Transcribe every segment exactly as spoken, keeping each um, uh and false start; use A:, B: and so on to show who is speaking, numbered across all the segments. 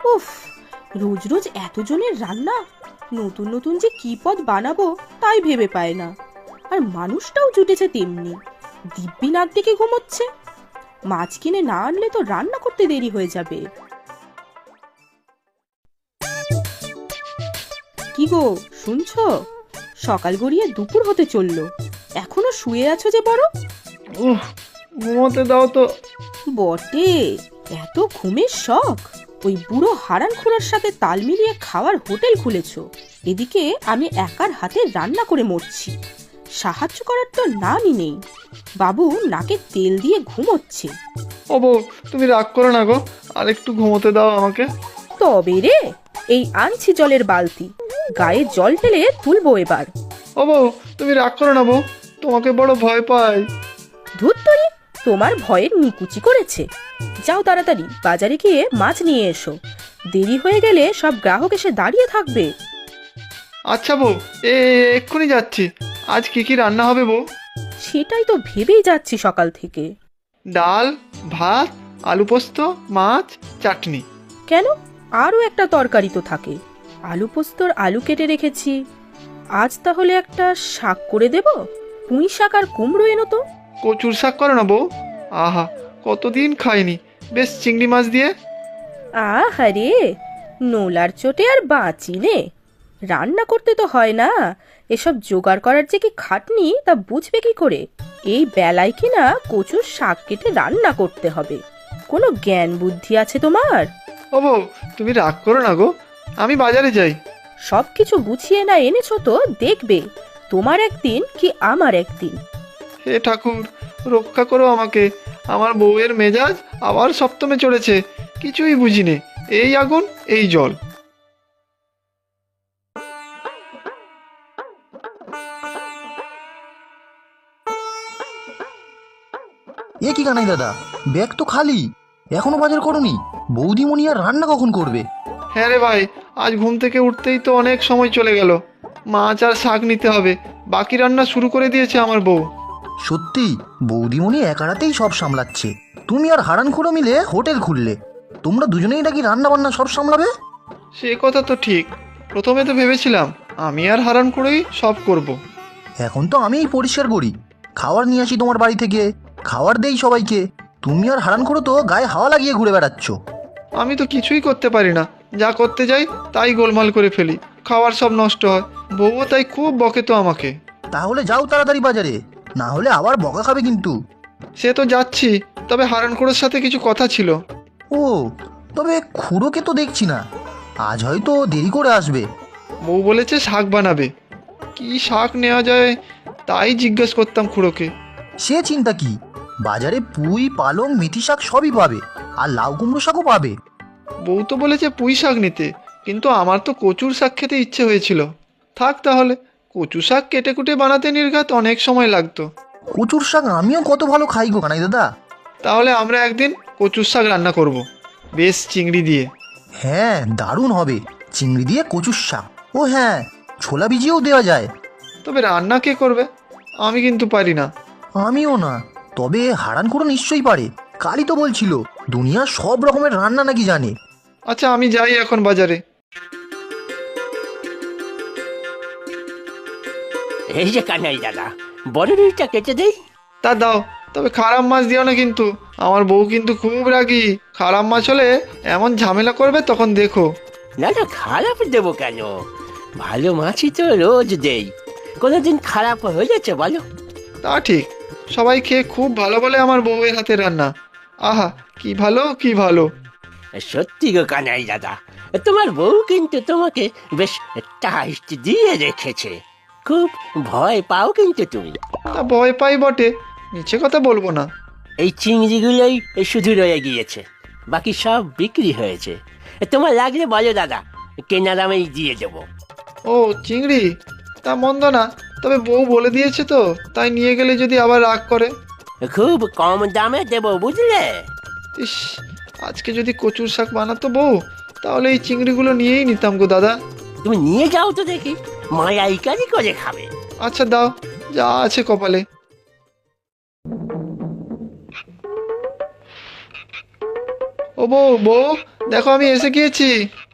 A: উফ, রোজ রোজ এতজনের রান্না, নতুন নতুন যে কি পদ বানাবো তাই ভেবে পায় না। আর মানুষটাও জুটেছে তেমনি, দিব্যি নাক ডেকে ঘুমোচ্ছে। মাছ কিনে না আনলে তো রান্না করতে দেরি হয়ে যাবে। কি গো, শুনছো? সকাল গড়িয়ে দুপুর হতে চললো, এখনো শুয়ে আছো যে বড়?
B: উহ, ঘুমোতে দাও তো।
A: বটে, এত ঘুমের শখ? ওই বুড়ো হারান খুড়ার সাথে তাল মিলিয়ে খাওয়ার হোটেল খুলেছো, এদিকে আমি একার হাতে রান্না করে মরছি। সাহায্য করার তো নামই নেই। বাবু নাকে তেল দিয়ে ঘুমোচ্ছে।
B: ও বউ, তুমি রাগ করো না গো, আর একটু ঘুমোতে দাও আমাকে।
A: তবে রে, এই আনছি জলের বালতি, গায়ে জল ঢেলে তুলবো এবার।
B: ও বউ, তুমি রাগ করো না বউ, তোমাকে বড় ভয় পাই।
A: ধুত্তরি, তোমার ভয়ের নিকুচি করেছে। যাও তাড়াতাড়ি বাজারে গিয়ে মাছ নিয়ে এসো, দেরি হয়ে গেলে সব গ্রাহক এসে দাঁড়িয়ে থাকবে।
B: আচ্ছা বউ, এ এক্ষুনি যাচ্ছি। আজ কি কি রান্না হবে বউ?
A: সেটাই তো ভেবেই যাচ্ছি সকাল থেকে।
B: ডাল, ভাত, আলু পোস্ত, মাছ, চাটনি।
A: কেন, আরও একটা তরকারি তো থাকে। আলু পোস্তর আলু কেটে রেখেছি। আজ তাহলে একটা শাক করে দেব। পুঁই শাক আর কুমড়ো এনো তো।
B: কচুর শাক করো না বউ। আহা, কতদিন খাইনি। বেশ চিংড়ি মাছ দিয়ে।
A: আহারে, নোলার চোটে আর বাঁচি নে। রান্না করতে তো হয় না, এসব জোগাড় করার যে কি খাটনি তা বুঝবে কি করে? এই বেলায় কিনা কচুর শাক কেটে রান্না করতে হবে। কোনো জ্ঞান বুদ্ধি আছে তোমার?
B: ও বউ, তুমি রাগ করো না গো, আমি বাজারে যাই।
A: সব কিছু গুছিয়ে না এনেছো তো দেখবে তোমার একদিন কি আমার একদিন।
B: হে ঠাকুর, রক্ষা করো আমাকে। আমার বউয়ের মেজাজ আবার সপ্তমে চড়েছে। কিছুই বুঝিনে, এই আগুন এই জল।
C: এ কি কানাই দাদা, ব্যাগ তো খালি, এখনো বাজার করনি? বৌদিমণি আর রান্না কখন করবে?
B: হ্যাঁ রে ভাই, আজ ঘুম থেকে উঠতেই তো অনেক সময় চলে গেল। মাছ আর শাক নিতে হবে, বাকি রান্না শুরু করে দিয়েছে আমার বউ।
C: সত্যি বৌদিমণি একারাতেই সব সামলাচ্ছে। তুমি আর হারান খুড়ো মিলে হোটেল খুললে, তোমরা দুজনেই নাকি রান্না বান্না সব সামলাবে?
B: সে কথা তো ঠিক, প্রথমে তো ভেবেছিলাম আমি আর হারান করেই সব করব।
C: এখন তো আমিই পরিষ্কার করি, খাবার নিয়ে আসি তোমার বাড়ি থেকে, খাবার দেই সবাইকে। তুমি আর হারান খুড়ো তো গায়ে হাওয়া লাগিয়ে ঘুরে বেড়াচ্ছ।
B: আমি তো কিছুই করতে পারি না, যা করতে যাই তাই গোলমাল করে ফেলি, খাবার সব নষ্ট হয়। বউও তাই খুব বকে তো আমাকে।
C: তাহলে যাও তাড়াতাড়ি বাজারে, না হলে আবার বকা খাবে কিন্তু।
B: সে তো যাচ্ছি, তবে হারান করের সাথে কিছু কথা ছিল।
C: ও, তবে খুড়োকে তো দেখছি না, আজ হয়তো দেরি করে আসবে।
B: বউ বলেছে শাক বানাবে, কি শাক নেওয়া যায় তাই জিজ্ঞেস করতাম খুড়োকে।
C: সে চিন্তা কি, বাজারে পুঁই পালং মেথি শাক সবই পাবে, আর লাউ কুমড়ো শাকও পাবে।
B: বউ তো বলেছে পুঁই শাক নিতে, কিন্তু আমার তো কচুর শাক খেতে ইচ্ছে হয়েছিল। থাক তাহলে, কচু শাক কেটে কুটে বানাতে নির্ঘাত অনেক সময় লাগতো।
C: কচুর শাক আমিও কত ভালো খাই গো কানাই দাদা।
B: তাহলে আমরা একদিন কচুর শাক রান্না করব, বেশ চিংড়ি দিয়ে।
C: হ্যাঁ, দারুণ হবে, চিংড়ি দিয়ে কচুর শাক। ও হ্যাঁ, ছোলা ভিজিয়েও দেওয়া যায়।
B: তবে রান্না কে করবে? আমি কিন্তু পারি না।
C: আমিও না, তবে হারান খুড়ো নিশ্চয়ই পারে, কালই তো বলছিল দুনিয়ার সব রকমের রান্না নাকি জানে।
B: আচ্ছা, আমি যাই এখন বাজারে।
D: এই যে কানাই দাদা, বড় রুইটা কেটে দেই।
B: তা দাও, তবে খারাপ মাছ দিও না কিন্তু, আমার বউ কিন্তু খুব রাগী। খারাপ মাছ হলে এমন ঝামেলা করবে তখন দেখো।
D: না না, খারাপ দেবো কেন? ভালো মাছই তো রোজ দেই, কোনোদিন খারাপ হয়েছে বলো?
B: তা ঠিক, সবাই খেয়ে খুব ভালো বলে আমার বউয়ের হাতে রান্না। আহা, কি ভালো কি ভালো।
D: সত্যি গো কানাই দাদা, তোমার বউ কিন্তু তোমাকে বেশ টাইট দিয়ে রেখেছে। খুব ভয় পাও কিন্তু তুমি।
B: তা ভয় পাই বটে, মিছে কথা বলবো না।
D: এই চিংড়িগুলোই শুধু রয়ে গিয়েছে, বাকি সব বিক্রি হয়েছে। তোমার লাগলে বলো দাদা, কেনা দামেই দিয়ে দেবো।
B: ও চিংড়ি, তা মন্দ না, তবে বউ বলে দিয়েছে তো, তাই নিয়ে গেলে যদি আবার রাগ করে।
D: খুব কম দামে দেবো বুঝলে।
B: ইস, আজকে যদি কচুর শাক বানাতো বউ, তাহলে এই চিংড়িগুলো নিয়েই নিতাম গো দাদা।
D: তুমি নিয়ে যাও তো দেখি, মায়াইকারি করে খাবে।
B: আচ্ছা দাও, যা আছে কপালে। ও বউ বউ, দেখো আমি এসে গিয়েছি।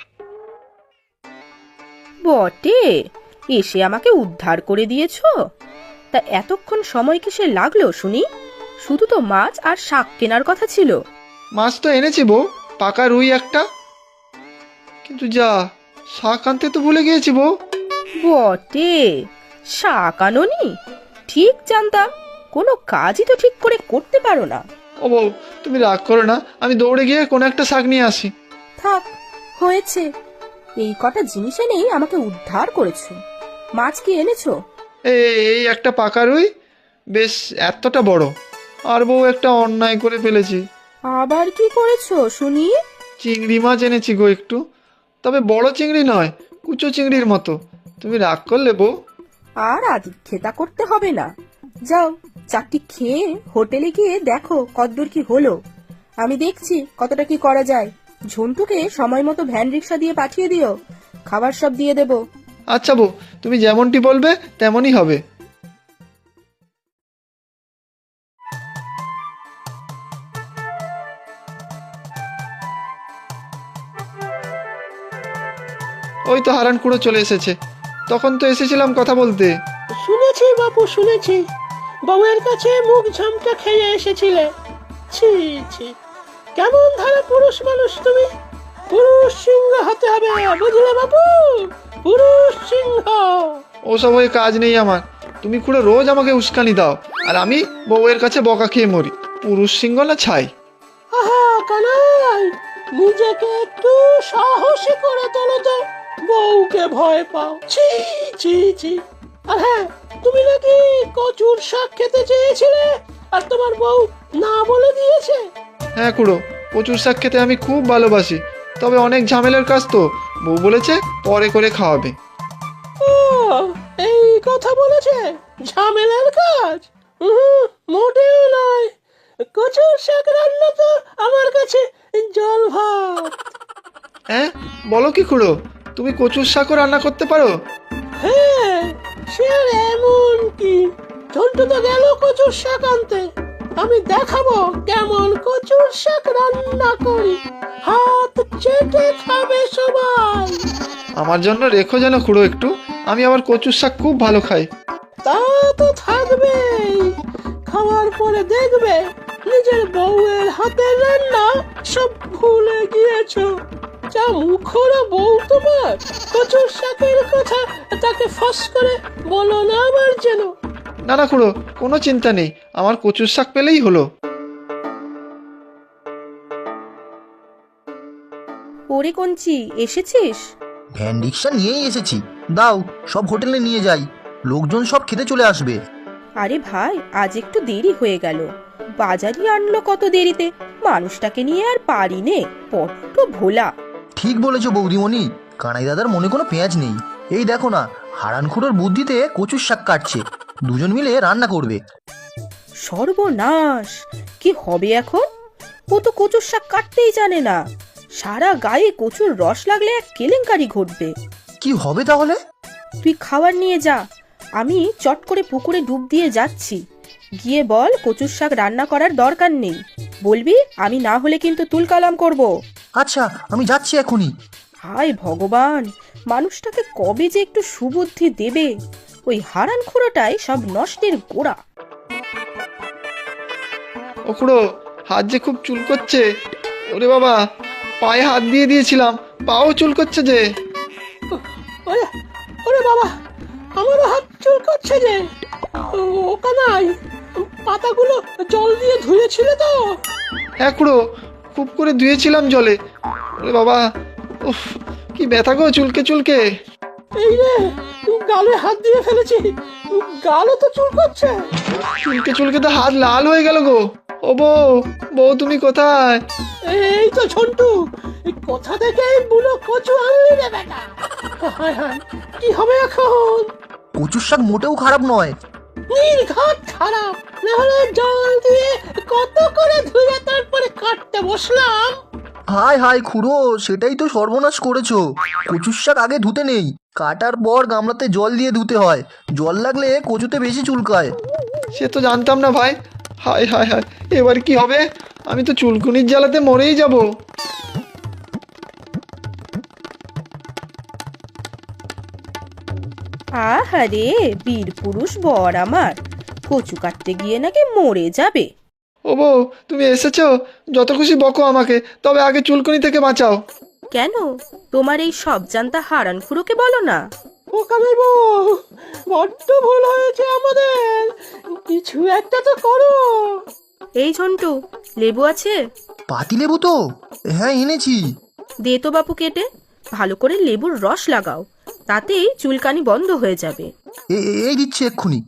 A: বটে, এসে আমাকে উদ্ধার করে দিয়েছো। তা এতক্ষণ সময় কিসে লাগলো শুনি? শুধু তো মাছ আর শাক কেনার কথা ছিল।
B: মাছ তো এনেছি বউ, পাকা রুই একটা। কিন্তু যা, শাক আনতে তো ভুলে গিয়েছি বউ।
A: বটে, শাক আনোনি? ঠিক জানতাম, কোনো কাজই তো ঠিক করে করতে পারো না।
B: ও বউ, তুমি রাগ করো না, আমি দৌড়ে গিয়ে কোনো একটা শাক নিয়ে আসি।
A: থাক, হয়েছে। এই কটা জিনিস এনেই আমাকে উদ্ধার করেছো। মাছ কি এনেছো?
B: এই এই একটা পাকা রুই, বেশ এতটা বড়। আর বউ, একটা অন্যায় করে ফেলেছি।
A: আবার কি করেছো শুনি?
B: চিংড়ি মাছ এনেছি গো একটু, তবে বড় চিংড়ি নয়, কুচো চিংড়ির মতো। তুমি রাগ করলে বউ?
A: আর আদিক্ষেতা করতে হবে না। যাও, চারটি খেয়ে হোটেলে গিয়ে দেখো কতদূর কি হলো। আমি দেখছি কতটা কি করা যায়। ঝন্টুকে সময় মতো ভ্যান রিক্সা দিয়ে পাঠিয়ে দিও, খাবার সব দিয়ে দেব।
B: আচ্ছা বউ, তুমি যেমনটি বলবে তেমনই হবে। ওই তো হারান খুঁড়ো চলে এসেছে। তখন তো এসেছিলাম কথা বলতে।
D: শুনেছি বাপু, শুনেছি বউয়ের কাছে মুখ ঝামটা খেয়ে এসেছিলে। ছি ছি, কেমন ধারা পুরুষ মানুষ তুমি! পুরুষ সিংহ হতে হবে, বুঝলে বাপু? পুরুষ সিংহ।
B: ওসব হয়ে কাজ নেই আমার। তুমি খুঁড়ো রোজ আমাকে উস্কানি দাও, আর আমি বউয়ের কাছে বকা খেয়ে মরি। পুরুষ সিংহ না ছাই।
D: আহা কানাই, নিজেকে একটু সাহসী করে তোলো তো, বউকে ভয় পাও। ছি ছি ছি। আর হ্যাঁ, তুমি নাকি কচুর শাক খেতে চেয়েছিলে, আর তোমার বউ না বলে দিয়েছে।
B: হ্যাঁ খুড়ো, কচুর শাক খেতে আমি খুব ভালোবাসি, তবে অনেক ঝামেলার কাজ তো। বউ বলেছে পরে করে খাওয়াবে।
D: ও, এই কথা বলেছে? ঝামেলার কাজ? উহুম, মোটেও নয়। কচুর শাক রান্না তো আমার কাছে জল ভাত।
B: হ্যাঁ, বলো কি খুড়ো, তুমি কচুর শাকও রান্না করতে পারো?
D: হ্যাঁ, সে আর এমন কি, ঝন্টু তো গেল কচুর শাক আনতে। আমি দেখাবো কেমন কচুর শাক রান্না করি, হাত চেটে খাবে সবাই।
B: আমার জন্য রেখো যেন খুড়ো একটু, আমি আবার কচুর শাক খুব ভালো খাই।
D: তা তো থাকবেই, খাওয়ার পরে দেখবে নিজের বউয়ের হাতের রান্না সব ভুলে গিয়েছো। যা মুখরা বউ তোমার! কচুর শাকের কথা তাকে ফাঁস করে বলো না আমার যেন।
B: না না খুড়ো, কোনো চিন্তা নেই, আমার কচুর শাক পেলেই হলো।
A: ওরে কঞ্চি, এসেছিস?
C: ভ্যান রিক্সা নিয়েই এসেছি, দাও সব হোটেলে নিয়ে যাই, লোকজন সব খেতে চলে আসবে।
A: আরে ভাই, আজ একটু দেরি হয়ে গেল। বাজারই আনলো কত দেরিতে, মানুষটাকে নিয়ে আর পারি নে, বড্ড ভোলা।
C: ঠিক বলেছো বৌদিমণি, কানাই দাদার মনে কোনো পেঁয়াজ নেই। এই দেখো না, হারানখুড়োর বুদ্ধিতে কচুর শাক কাটছে, দুজন মিলে রান্না করবে।
A: সর্বনাশ, কি হবে এখন? ও তো কচুর শাক কাটতেই জানে না। সারা গায়ে কচুর রস লাগলে এক কেলেঙ্কারি ঘটবে।
C: কি হবে তাহলে?
A: তুই খাবার নিয়ে যা, আমি চট করে পুকুরে ডুব দিয়ে যাচ্ছি। গিয়ে বল কচুর শাক রান্না করার দরকার নেই, বলবি আমি না হলে কিন্তু তুলকালাম করব।
C: আচ্ছা, আমি যাচ্ছি এখনই।
A: হায় ভগবান, মানুষটাকে কবে যে একটু সুবুদ্ধি দেবে। ওই হারান খুঁড়োটাই সব নষ্টের গোড়া।
B: ও খুড়ো, হাত যে খুব চুল করছে। ওরে বাবা, পায়ে হাত দিয়ে দিয়েছিলাম, পাও চুল করছে যে।
D: ওরে ওরে বাবা, আমারও হাত চুল করছে যে। ও কানাই, পাতাগুলো জল দিয়ে ধুয়েছিলে তো?
B: হ্যাঁ খুড়ো, খুব করে ধুয়েছিলাম জলে। ওরে বাবা, উফ, কি ব্যথা গো চুলকে চুলকে।
D: এই রে, গালে হাত দিয়ে ফেলেছি, গালও তো চুল করছে।
B: চুলকে চুলকে তো হাত লাল হয়ে গেল গো। ও বউ, বউ তুমি কোথায়?
D: এই তো ঝন্টু, এই কোথা থেকে এই বুড়ো কচু আনলি রে বেটা? হায় হায়, কি হবে এখন?
C: কচুর শাক মোটেও খারাপ নয়।
D: নির্ঘাত খারাপ, না হলে জল দিয়ে কত করে ধুয়ে তারপরে কাটতে বসলাম।
C: হায় হায় খুড়ো, সেটাই তো সর্বনাশ করেছো। কচুর শাক আগে ধুতে নেই, কাটার পর গামলাতে জল দিয়ে ধুতে হয়। জল লাগলে কচুতে বেশি চুলকায়।
B: সে তো জানতাম না ভাই। হায় হায় হায়, এবার কি হবে? আমি তো চুলকুনির জ্বালাতে মরেই যাব।
A: আহারে বীর পুরুষ বর আমার, কচু কাটতে গিয়ে নাকি মরে যাবে।
B: ও বউ, তুমি এসেছো, যত খুশি বকো আমাকে, তবে আগে চুলকুনি থেকে বাঁচাও।
A: কেন, তোমার এই সব জানতা হারান খুড়োকে বলো না।
D: ও কামের বউ, বড্ড ভুল হয়েছে আমাদের, কিছু একটা তো করো।
A: এই ঝন্টু, লেবু আছে?
C: পাতিলেবু তো, হ্যাঁ এনেছি।
A: দে তো বাপু কেটে, ভালো করে লেবুর রস লাগাও, তাতেই চুলকানি বন্ধ হয়ে যাবে।
C: এ- এ- এই দিচ্ছি এক্ষুনি।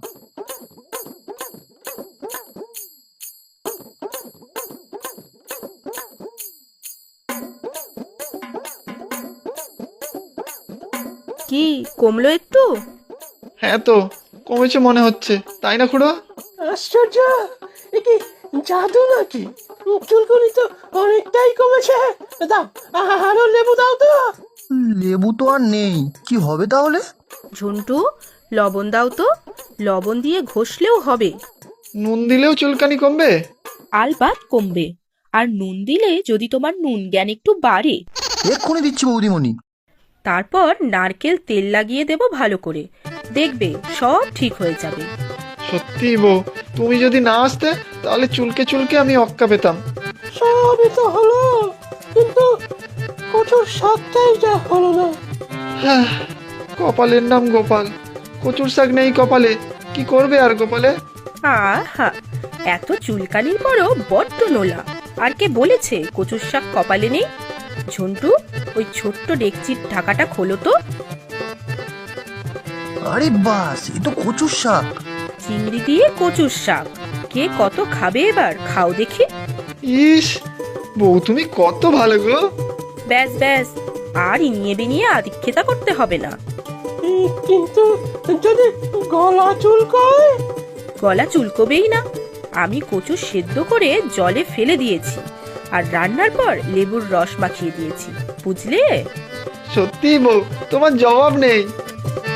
A: কি কমলো একটু?
B: হ্যাঁ তো, কমেছে মনে হচ্ছে, তাই না খুড়ো?
D: আশ্চর্য, এ কি জাদু নাকি? চুলকুনি তো অনেকটাই কমেছে। দাও, আ- আরো লেবু দাও তো।
C: লেবু তো আর নেই, কি হবে তাহলে?
A: ঝন্টু, লবণ দাও তো, লবণ দিয়ে ঘষলেও হবে।
B: নুন দিলেও চুলকানি কমবে?
A: আলবাত কমবে, আর নুন দিলে যদি তোমার নুন জ্ঞান একটু বাড়ে।
C: এক্ষুনি দিচ্ছি বৌদিমণি।
A: তারপর নারকেল তেল লাগিয়ে দেব ভালো করে, দেখবে সব ঠিক হয়ে যাবে।
B: সত্যি বউ, তুমি যদি না আসতে তাহলে চুলকে চুলকে আমি অক্কা পেতাম।
D: সবই তো হলো, কিন্তু কচুর শাকটাই যা হলো না।
B: হ্যাঁ, কপালের নাম গোপাল, কচুর শাক নেই কপালে, কি করবে আর গোপালে?
A: আহা, এত চুলকানির পরও বড্ড নোলা। আর কে বলেছে কচুর শাক কপালে নেই? ঝন্টু, ওই ছোট্ট ডেকচির ঢাকাটা খোলো তো।
C: আরে বাস, এ তো কচুর শাক।
A: চিংড়ি দিয়ে কচুর শাক, কে কত খাবে এবার, খাও দেখি।
B: ইস, বউ তুমি কত ভালো গো।
A: ব্যাস ব্যাস, আর ইনিয়ে বিনিয়ে আদিক্ষেতা করতে হবে না।
D: উম, কিন্তু যদি গলা চুলকায়?
A: গলা চুলকবেই না, আমি কচু সেদ্ধ করে জলে ফেলে দিয়েছি, আর রান্নার পর লেবুর রস মাখিয়ে দিয়েছি, বুঝলে?
B: সত্যি বউ, তোমার জবাব নেই।